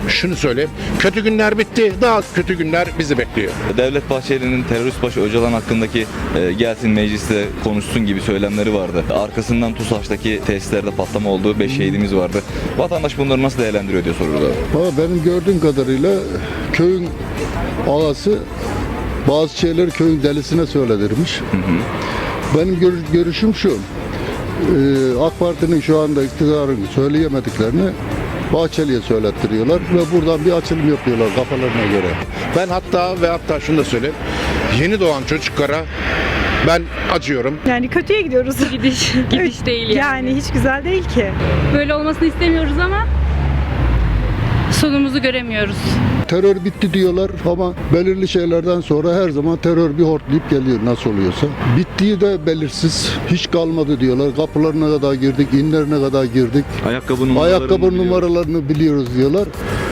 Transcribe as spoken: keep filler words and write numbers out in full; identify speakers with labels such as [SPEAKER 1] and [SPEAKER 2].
[SPEAKER 1] şunu söyleyeyim. Kötü günler bitti. Daha kötü günler bizi bekliyor.
[SPEAKER 2] Devlet Bahçeli'nin terörist başı Öcalan hakkındaki e, gelsin mecliste konuşsun gibi söylemleri vardı. Arkasından TUSAŞ'taki tesislerde patlama oldu. beş şehidimiz vardı. Vatandaş bunları nasıl değerlendiriyor diye soruyoruz abi.
[SPEAKER 3] Valla benim gördüğüm kadarıyla köyün ağası bazı şeyleri köyün delisine söyledirmiş. Hı hı. Benim gör- görüşüm şu. Ee, AK Parti'nin şu anda iktidarın söyleyemediklerini Bahçeli'ye söylettiriyorlar ve buradan bir açılım yapıyorlar kafalarına göre.
[SPEAKER 1] Ben hatta ve hatta şunu da söyleyeyim. Yeni doğan çocuklara ben acıyorum.
[SPEAKER 4] Yani kötüye gidiyoruz.
[SPEAKER 5] Gidiş, gidiş değil yani.
[SPEAKER 4] Yani hiç güzel değil ki.
[SPEAKER 5] Böyle olmasını istemiyoruz ama sonumuzu göremiyoruz.
[SPEAKER 3] Terör bitti diyorlar ama belirli şeylerden sonra her zaman terör bir hortlayıp geliyor nasıl oluyorsa. Bittiği de belirsiz. Hiç kalmadı diyorlar. Kapılarına kadar girdik, inlerine kadar girdik.
[SPEAKER 2] Ayakkabı numaralarını
[SPEAKER 3] Ayakkabı
[SPEAKER 2] biliyoruz.
[SPEAKER 3] numaralarını biliyoruz diyorlar.